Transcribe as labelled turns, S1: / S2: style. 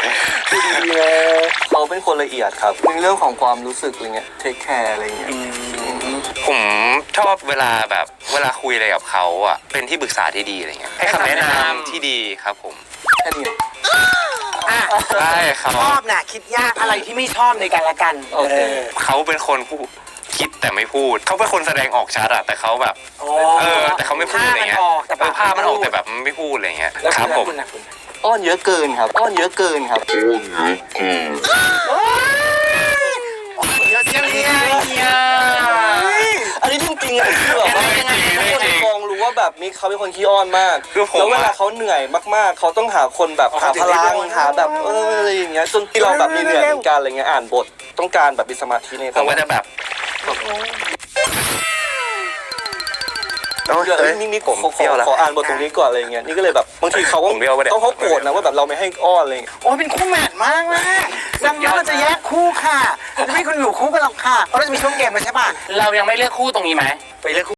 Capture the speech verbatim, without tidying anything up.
S1: คือดีๆนะเขาเป็นคนละเอียดครับในเรื่องของความรู้สึกอะไรเงี้ยเทคแคร์อะไรเงี้ย
S2: ผมชอบเวลาแบบเวลาคุยอะไรกับเขาอ่ะเป็นที่ปรึกษาที่ดีอะไรเงี้ยให้คำแนะนำที่ดีครับผม
S1: แค่นี้
S2: ใช่ครับ
S3: ชอบน่ะคิดยากอะไรที่ไม่ชอบในกันละกันเออ
S2: เขาเป็นคนพูดคิดแต่ไม่พูดเขาเป็นคนแสดงออกชัดอะแต่เขาแบบเออแต่เขาไม่พูดอะไรเงี้ยแต่ภาพมันออกแต่แบบไม่พูดอะไรเงี้ยครับผม
S1: อ้อนเยอะเกินครับอ้อนเยอะเกินครับอ้อนเยอะเกิน
S3: เยอะเชียวเนี่ย
S1: อันนี้จริงๆอะคือแบบว่าทุกคนในกองรู้ว่าแบบนี้เขาเป็นคนขี้อ้อนมากแล้วเวลาเขาเหนื่อยมากๆเขาต้องหาคนแบบหาพลังหาแบบเอออะไรอย่างเงี้ยจนที่เราแบบมีเหนื่อยเหมือนกันอะไรเงี้ยอ่านบทต้องการแบบมีสมาธิใน
S2: ผมก็จะแบบ
S1: เดี๋ยวนี่นี่ผมขอขออ่านบทตรงนี้ก่อนอะไรเงี้ยนี่ก็เลยแบบบางทีเขาก็ต้องเขาโกรธนะว่าแบบเราไม่ให้อ้อนอะไรเงี้ย
S3: โอ้เป็นคู่แมทมากนะดังนั้นเราจะแยกคู่ค่ะจะไม่คุณอยู่คู่กันหรอกค่ะเพราะเราจะมีช่วงเกมเลยใช่ป่ะ
S4: เรายังไม่เลือกคู่ตรงนี้ไหม
S3: ไปเลือก